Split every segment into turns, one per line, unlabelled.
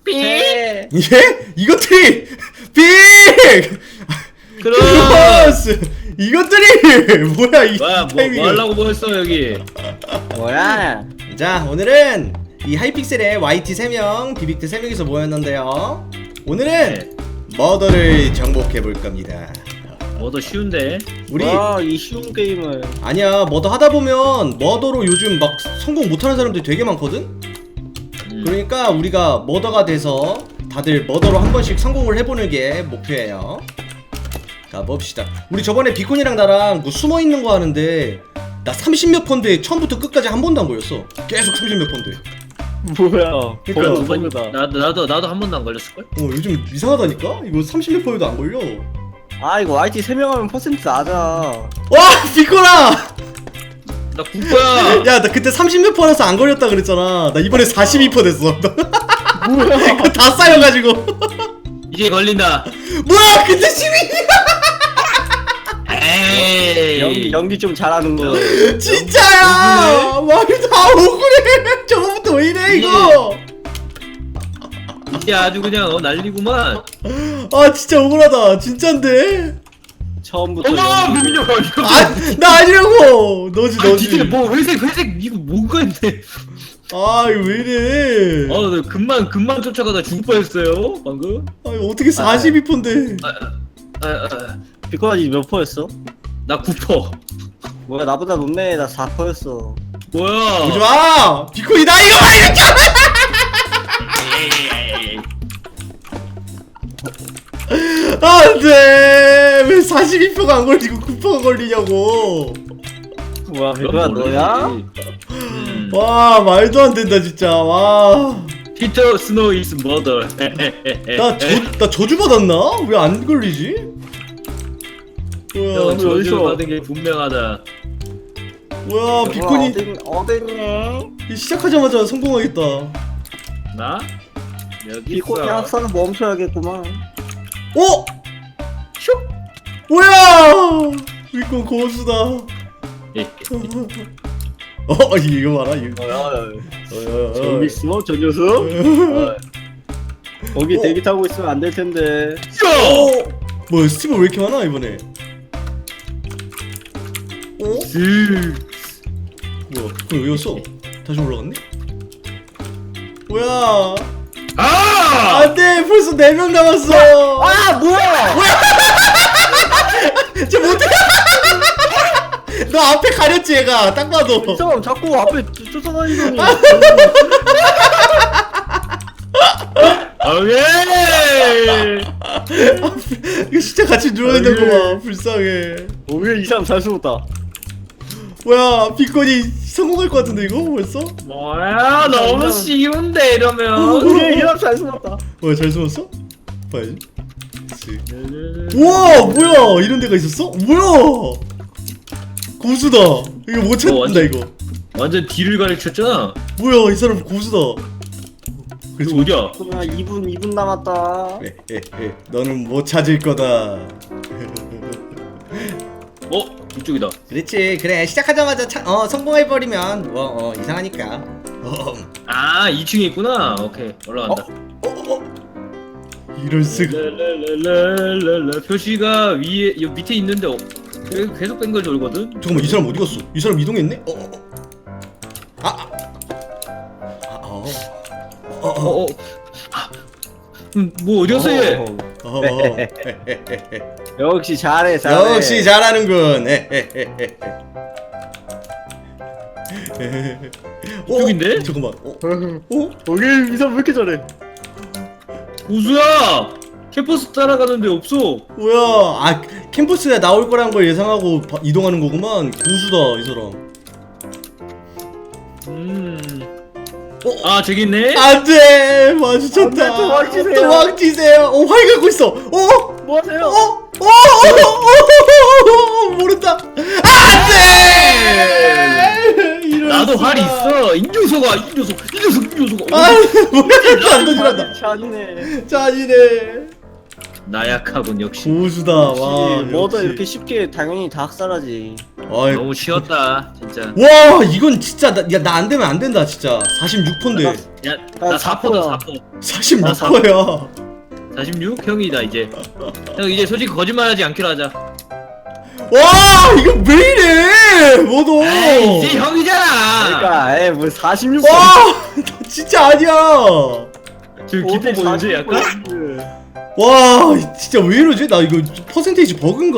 예?
이것들이 빅! 크로스! 이것들이 뭐야 이 타이밍은.
뭐 하려고 모였어 여기?
뭐야?
자, 오늘은 이 하이픽셀의 YT 3명, 비빅트 3명이서 모였는데요. 오늘은
네.
머더를 정복해 볼 겁니다.
뭐더 쉬운데?
우리
이 쉬운 게임을.
아니야, 머더 하다 보면 머더로 요즘 막 성공 못하는 사람들이 되게 많거든? 그러니까 우리가 머더가 돼서 다들 머더로 한 번씩 성공을 해보는 게 목표예요. 가봅시다. 우리 저번에 비콘이랑 나랑 뭐 숨어있는 거 하는데 나 30몇 펀드에 처음부터 끝까지 한 번도 안 걸렸어. 계속 30몇 펀드.
뭐야?
그러니까
버그다.
나도 한 번도 안 걸렸을걸?
요즘 이상하다니까? 이거 30몇 펀드도 안 걸려.
아 이거 YT 3명 하면 퍼센트 낮아.
와! 비콘아!
나 국보야.
야, 나 그때 30몇 펀에서 안 걸렸다 그랬잖아. 나 이번에 42% 됐어.
뭐야?
이거 다 쌓여가지고.
이제 걸린다.
뭐야! 근데 12!
에이.
연기 좀 잘하는 거.
진짜야! 말이 다 억울해! 저거부터 왜 이래, 이거!
이제 아주 그냥 난리구만.
아, 진짜 억울하다. 진짠데?
처음부터.
어머 민혁아 이거.
나 아니라고! 너지, 너지.
진짜 뭐 회색 이거 뭔가 했네.
아, 이거 왜 이래.
나 금만 쫓아가다 죽을 뻔했어요 방금.
아, 이거 어떻게 42%인데.
비코아지 몇 퍼였어?
나 9%.
뭐야 나보다 높네. 나 4퍼였어.
뭐야?
오지 마! 비콘이다, 이거 봐, 이렇게! 안 돼! 왜 42%가 안 걸리고 9%가 걸리냐고!
뭐야 비코아 너야?
와, 말도 안 된다, 진짜. 와.
피터 스노우 is mother.
나 저주 받았나? 왜 안 걸리지? 뭐야,
형 저주
어디서?
받은 게 분명하다.
뭐야, 비콘이
어딨네?
시작하자마자 성공하겠다.
나? 여기
비코
있어.
계약서는 멈춰야겠구만.
어? 뭐야! 비콘 고수다. 이거 봐라, 이거.
저기 있어 저 녀석? 거기 대기 타고 있으면 안 될 텐데.
뭐야, 스티브 왜 이렇게 많아, 이번에? 뭐야, 비콘 왜 왔어? 다시 올라갔네? 뭐야? 안돼, 벌써 4명 남았어.
뭐야?
쟤 못해. 너 앞에 가렸지, 얘가. 딱 봐도.
이 사람 자꾸 앞에 쫓아다니더니.
오케이.
이거 진짜 같이 누워있는 거 봐. 불쌍해.
오히려 이 사람 잘 숨었다.
뭐야, 비콘이 성공할 것 같은데, 이거 벌써?
뭐야 너무 쉬운데 이러면.
오히려 이 사람 잘 숨었다.
뭐야, 잘 숨었어? 봐야지. 우와, 뭐야, 이런 데가 있었어? 뭐야, 고수다. 이거 못 찾는다,
완전-
이거.
완전 뒤를 가르쳤잖아.
뭐야, 이 사람 고수다.
그래서 어디야?
그러면 2분 남았다.
너는 못 찾을 거다.
이쪽이다.
그렇지, 그래. 시작하자마자 성공해버리면 이상하니까.
2층에 있구나. 오케이 올라간다.
이럴 수가.
랄랄랄랄랄라. 표시가 위에 요 밑에 있는데 계속 뺑글 돌거든.
잠깐만, 이 사람 어디 갔어? 이 사람 이동했네?
뭐 어디 갔어 얘?
역시 잘해.
역시 잘하는군.
이쪽인데?
잠깐만.
거기 이 사람 왜 이렇게 잘해?
고수야! 캠퍼스 따라가는데 없어.
뭐야? 캠퍼스에 나올 거란 걸 예상하고 이동하는 거구만. 고수다, 이 사람.
저기 있네.
안돼, 마주쳤다.
안 돼, 도망치세요.
도망치세요. 활 갖고 있어.
뭐 하세요?
모른다. 안돼.
나도 활이 있어. 이 녀석아.
뭐야? 안 던지란다.
잔이네.
잔이네.
나약하군 역시.
고수다. 와.
뭐도
역시.
이렇게 쉽게 당연히 다 학살하지.
아이,
너무 쉬웠다 진짜.
와 이건 진짜 나 안 되면 안 된다 진짜. 46%인데.
야나 4포다 4포.
46%야.
46? 형이다 이제. 형 이제 솔직히 거짓말하지 않기로 하자.
와 이거 왜 이래 뭐도.
에이, 이제 형이잖아.
그러니까 뭐 46.
와 진짜 아니야.
지금 기뻐 보이지 약간?
와 진짜 왜 이러지? 나 이거 퍼센테이지 버그인가?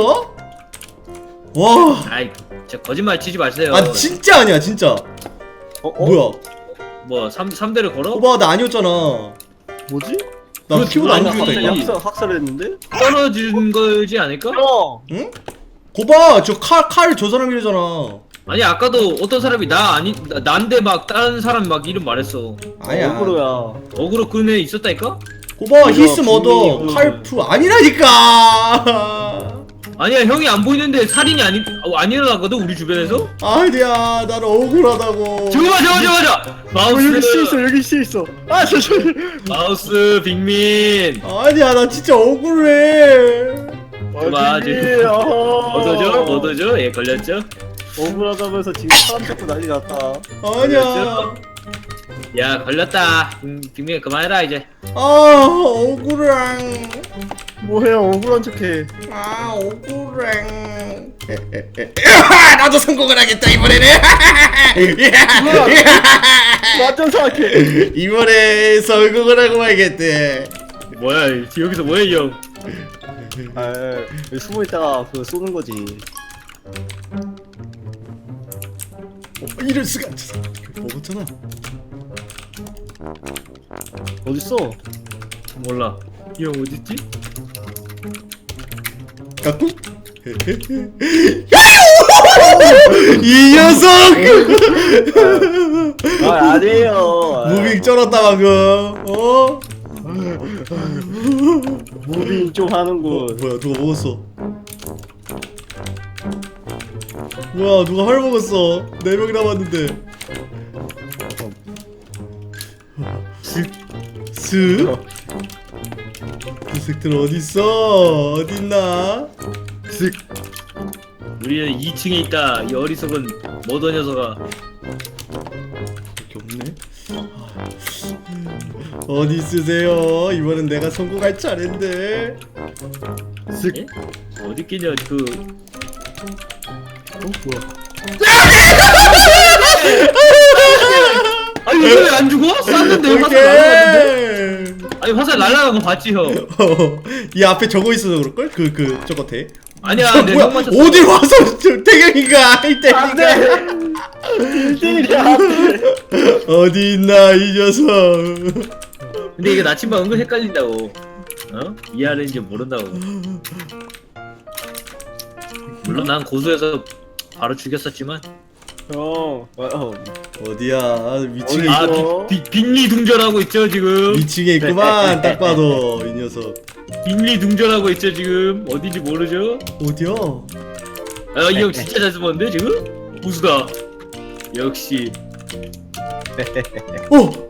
와.
아이 진짜 거짓말 치지 마세요.
아 진짜 아니야 진짜. 뭐야?
뭐 3대를 걸어?
오빠 나 아니었잖아.
뭐지?
나
그거
키보드 안
누가
죽였다니까.
갑자기-
학살했는데?
떨어진 거지 않을까?
형.
응? 고봐 저 칼 저 사람이래잖아.
아니 아까도 어떤 사람이 나인데 막 다른 사람 막 이름 말했어.
아니야.
억울로야.
어그로 그 애 있었다니까?
고봐
뭐야,
히스 머더
분명히
칼프 아니라니까.
아니야 형이 안 보이는데 살인이 안 일어나거든 우리 주변에서?
아니야 나는 억울하다고.
저거
여기 씨 있어
마우스
여기 씨 있어. 아
마우스 빅민
아니야 나 진짜 억울해.
좋아, 지금. 뭐도죠? 예 걸렸죠?
억울하다면서 지금 사람 잡고 난리 났다.
아니야.
야 걸렸다 빅민 그만해라 이제.
아 억울해.
뭐해 억울한 척해.
아 억울해. 나도 성공을 하겠다 이번에는.
완전 사악해.
이번에 성공을 하고 말겠대.
뭐야 여기서 뭐해 이 형?
아 여기 숨어 있다가 그거 쏘는 거지.
이럴 수가. 먹었잖아.
어딨어?
몰라 이 형 어딨지?
갖고. 이 녀석.
아 아니에요.
무빙 쩔었다 방금. 어?
무빙 좀 하는군.
뭐야 누가 먹었어? 뭐야 누가 활 먹었어? 4명 남았는데. 슥? 그 새끼들 어딨어? 어딨나?
우리는 2층에 있다 이 어리석은 머더 녀석아.
밖에 없네. 어디 있으세요? 이번엔 내가 성공할 차례인데.
예? 어디 있겠냐 그
뭐야?
아니 이거 왜 안 죽어? 쐈는데 화살 날라갔는데?
오케이.
아니 화살 날라간 거 봤지 형?
이 앞에 적어 있어서 그럴걸? 저 겉에.
아니야 내
뭐야?
형 맞췄어.
어딜 와서 저 태경이가 이 태경이가
안돼. 빌딩이야.
어디 있나 이 녀석.
근데 이게 나침반 은근 헷갈린다고. 어? 이해하는지 모른다고. 물론 난 고수여서 바로 죽였었지만.
어디야? 위층에
아
어디서?
빅리 둥절하고 있죠 지금.
위층에 있구만. 딱 봐도 이 녀석.
빅리 둥절하고 있죠 지금. 어딘지 모르죠?
어디야?
아 이 형 진짜 잘 숨었는데 지금? 고수다. 역시.
어.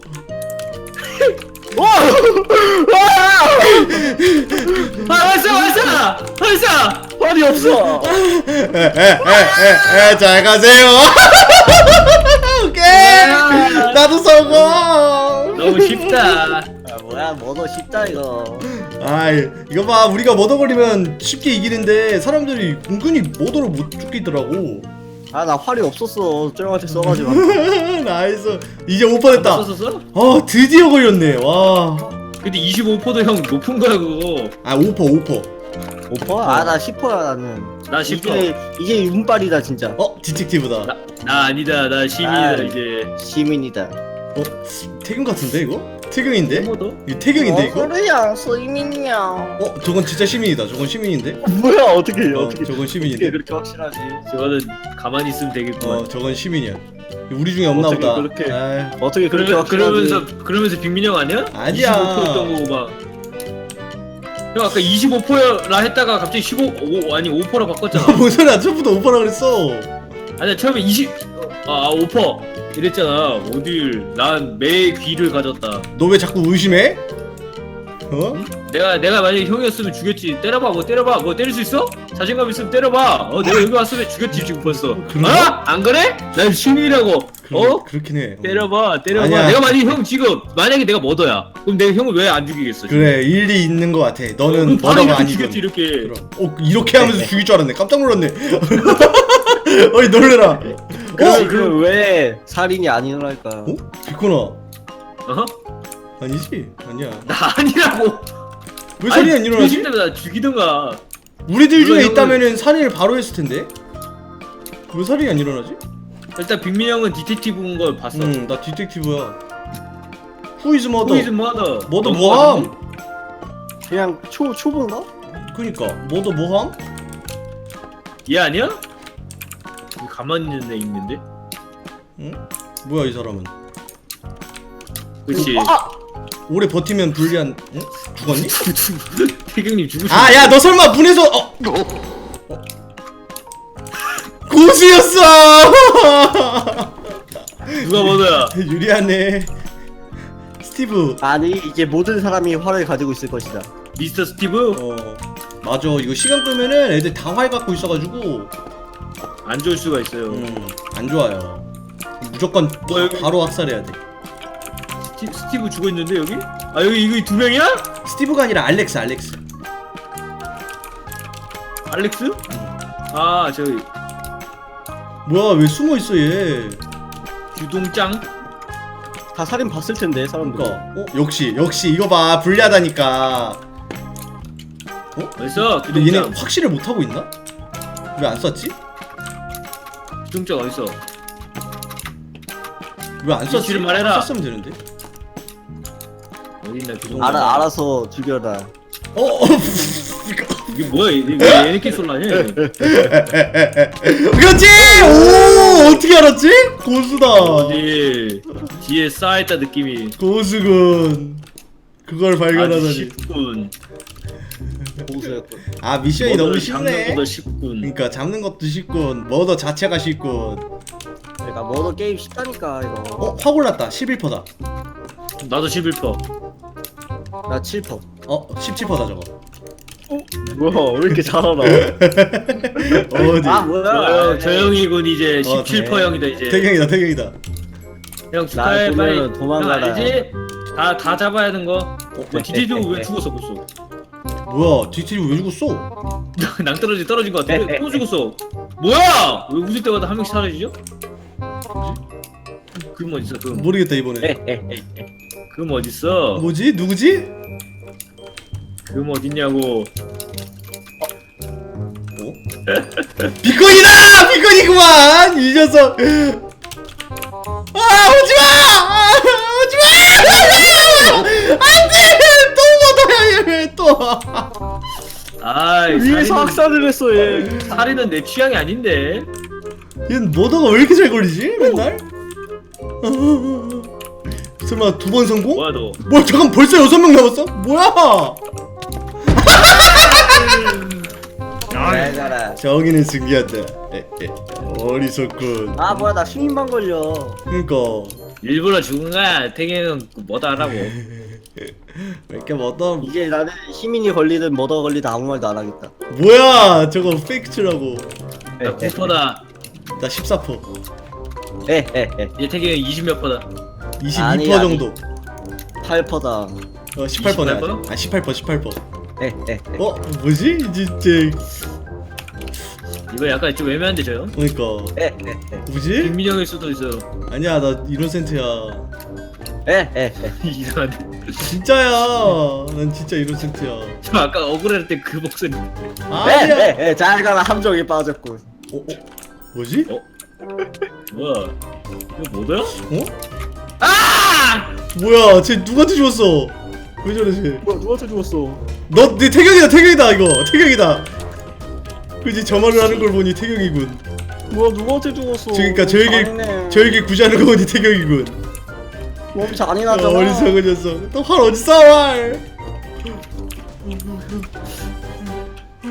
아 발사!
활이 없어.
잘 가세요. 오케이. 나도 성공.
너무 쉽다.
아 뭐야 뭐도 쉽다 이거.
아이 이거 봐 우리가 머더 걸리면 쉽게 이기는데 사람들이 은근히 머더로 못 죽이더라고.
아 나 활이 없었어. 쩡한테 써가지고.
나이스. 이제 5% 됐다.
썼었어?
드디어 걸렸네. 와.
근데 25%도 형 높은 거야 그거.
아 5%.
5%? 아나 10%야 나는.
나 10%.
이게 운빨이다 진짜.
디텍티브다.
나 아니다. 나 시민이다
아.
이제.
시민이다.
태경 같은데 이거? 태경인데?
뭐도?
이거 태경인데 이거?
그래야 시민이야.
저건 진짜 시민이다. 저건 시민인데?
뭐야 어떻게
저건
어떻게
시민인데?
그렇게 확실하지?
저거는 가만히 있으면 되겠구만.
저건 시민이야. 우리 중에 없나
어떻게
보다.
그렇게-
아이,
어떻게 그렇게 확실하지?
그러면서 빅민이 형 아니야?
아니야.
25%였던 거고 막. 형 아까 25%라 했다가 갑자기 아니 5%라 바꿨잖아.
뭔 소리야? 처음부터 5%라 그랬어.
아니야 처음에 5% 이랬잖아. 어딜 난 매 귀를 가졌다.
너 왜 자꾸 의심해? 어?
내가 만약에 형이었으면 죽였지. 때려봐. 뭐 때려봐. 뭐 때릴 수 있어? 자신감 있으면 때려봐. 내가 여기 왔으면 죽였지 지금 벌써.
그런가?
안 그래? 난 시민이라고.
그렇긴 해.
때려봐.
아니야.
내가 만약에 내가 머더야. 그럼 내가 형을 왜 안 죽이겠어?
그래 일리 있는 거 같아. 너는
바로
머더가
이렇게
아니군.
죽였지 이렇게.
그럼. 이렇게 하면서 죽일 줄 알았네. 깜짝 놀랐네. 어이 놀래라.
그럼 왜 살인이 아니랄까?
어? 비코나
어?
아니지? 아니야.
나 아니라고.
왜 살인이 안 일어나지?
때문에 나 죽이던가.
우리들 중에
물론
있다면은 살인을 바로 했을 텐데. 왜 살인이 안 일어나지?
일단 빅민 형은 디텍티브인 걸 봤어.
나 디텍티브야. 후이즈 머더.
후이즈 머더.
머더 뭐함?
그냥 초보인가?
그니까 머더 뭐함?
얘 아니야? 여기 가만히 있는 애 있는데?
응? 뭐야 이 사람은?
그렇지.
오래 버티면 불리한. 응? 죽었니?
태경님 죽으셨어.
아 야 너 설마 문에서 고수였어.
누가 머더야?
유리하네. 스티브.
아니 이제 모든 사람이 활을 가지고 있을 것이다.
미스터 스티브?
맞아 이거 시간 끄면은 애들 다 활 갖고 있어가지고
안 좋을 수가 있어요.
안 좋아요. 무조건
뭐 여기-
바로 학살해야 돼.
스티브 죽어 있는데 여기? 아 여기 이거 두 명이야?
스티브가 아니라 알렉스.
알렉스? 아 저기
뭐야 왜 숨어 있어 얘?
규동짱?
다 살인 봤을 텐데 사람들.
그러니까 역시 이거 봐 불리하다니까.
어딨어?
근데 얘네
규동짱.
확실을 못 하고 있나? 왜 안 썼지?
규동짱 어딨어?
왜 안 썼지?
위치를 말해라.
썼으면 되는데.
어딨나 규동짱?
알아서 죽여라.
이게 뭐야? 이게 왜 얘네끼리 쏠라냐?
그렇지! 오 어떻게 알았지? 고수다.
어디 뒤에 쌓여있다 느낌이.
고수군. 그걸
아주
발견하다니.
쉽군.
고수였군.
아 미션이 너무 쉽네.
잡는 것도 쉽군.
그러니까 잡는 것도 쉽군. 머더 자체가 쉽군.
그러니까 뭐도 게임 쉽다니까 이거.
확 올랐다. 11%다.
나도 11%.
나 7%.
17%다 저거.
뭐야 왜 이렇게 잘 알아?
어디?
아 뭐야?
저 형이군 이제
어,
17%
네.
형이다 이제.
태경이다.
형 축하해
나
빨리.
보면은 도망가라.
형 알지? 다 잡아야 하는 거. 뭐 디테일도 왜 죽었어 벌써?
뭐야? 디테일 왜 죽었어?
떨어진 거 같아. 또 죽었어. 뭐야? 왜 웃을 때마다 한 명씩 사라지죠? 그럼 어딨어? 그럼
모르겠다 이번에.
그럼 어딨어?
뭐지? 누구지?
그럼 어딨냐고.
비건이다! 비건이구만! 이 녀석! 오지마! 오지마! 안돼! 또 못해! 얘 또!
아이
위에서 학살을 했어 얘.
살인은 내 취향이 아닌데.
얘는 머더가 왜 이렇게 잘 걸리지? 맨날? 설마 두 번 성공?
뭐야 너?
뭐야 잠깐 벌써 6명 남았어? 뭐야?
잘 가라.
정의는 승리한다. 어리석군.
아 뭐야 나 시민만 걸려.
그니까
일부러 죽은 거야. 태경은 뭐다 하라고.
왜 이렇게 머더
이제 나는 시민이 걸리든 뭐더 걸리든 아무 말도 안 하겠다.
뭐야 저거 페이크츠라고.
나 9%다.
나 14%.
에에에
얘 태경이 20몇 %다.
22%
아니.
정도.
8%다.
18%네.
18%?
아 18%.
에에
뭐지? 진짜
이거 약간 좀 애매한데 저 형?
그러니까 뭐지?
김민영일 수도 있어.
아니야 나 이노센트야.
에에에
이상한데.
진짜야. 난 진짜 이노센트야.
저 아까 억울할 때 그 목소리.
아니야.
에에에 잘 가라 함정에 빠졌군.
뭐지?
뭐야? 이거 뭐야?
뭐야 쟤 누구한테 죽었어? 왜 저래 쟤?
뭐야 누구한테 죽었어?
네 태경이다 이거 태경이다. 그지 저 말을 하는 걸 보니 태경이군.
뭐야 누구한테 죽었어?
그러니까
잘했네.
저에게 구제하는 거 보니 태경이군.
몸 잔인하잖아.
어리석은 녀석. 또 활 어디 써 활?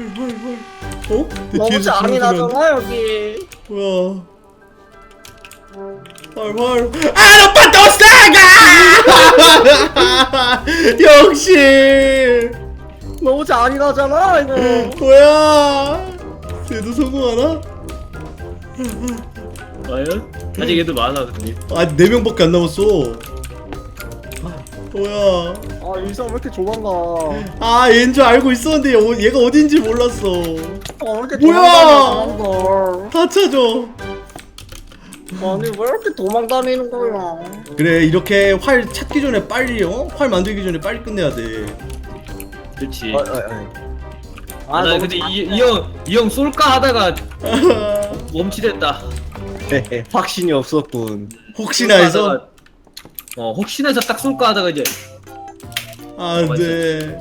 내
너무
뒤에서 부르지만
잔인하잖아 여기.
뭐야? 활. 아빠 또 싸가! 역시!
너무 잔인하잖아 이거.
뭐야? 쟤도 성공하나?
과연? 아직 애들 많아 근데.
아, 4명밖에 안 남았어. 뭐야?
아 일상 왜 이렇게 조만가.
아, 얘인 줄 알고 있었는데 얘가 어딘지 몰랐어.
왜 이렇게
뭐야?
도망다니는
다 찾아.
아니 왜 이렇게 도망다니는 거야?
그래, 이렇게 활 찾기 전에 빨리 활 만들기 전에 빨리 끝내야 돼.
그렇지.
아,
나
너무
근데 이 형 쏠까 하다가 멈칫했다.
확신이 없었군.
혹시나 해서.
혹시나 해서 딱 쏠까 하다가 이제
아, 네.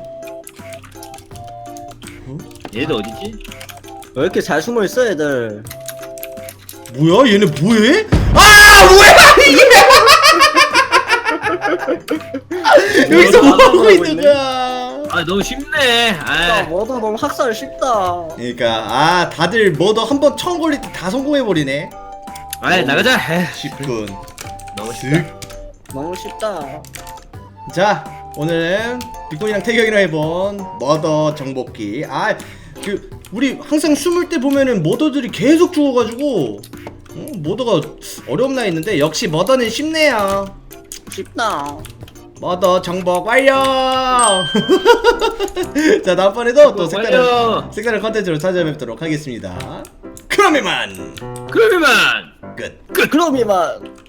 얘들 어디지?
왜 이렇게 잘 숨어 있어 애들?
뭐야? 얘네 뭐해? 아, 뭐야? 이게? 여기서 뭐 하고 있는 거야?
아 너무 쉽네.
야
아,
뭐다 너무 학살 쉽다.
그러니까 다들 뭐더 한번 처음 걸릴 때 다 성공해 버리네.
나가자.
쉽군.
너무 쉽다.
너무 쉽다.
자, 오늘은 빅본이랑 태경이랑 해본 머더 정복기. 우리 항상 숨을 때 보면은 머더들이 계속 죽어가지고 머더가 어렵나 했는데 역시 머더는 쉽네요.
쉽다.
머더 정복 완료. 자, 다음번에도 또
완료.
색다른 컨텐츠로 찾아뵙도록 하겠습니다. 그럼 이만
그러면
끝.
그럼 이만.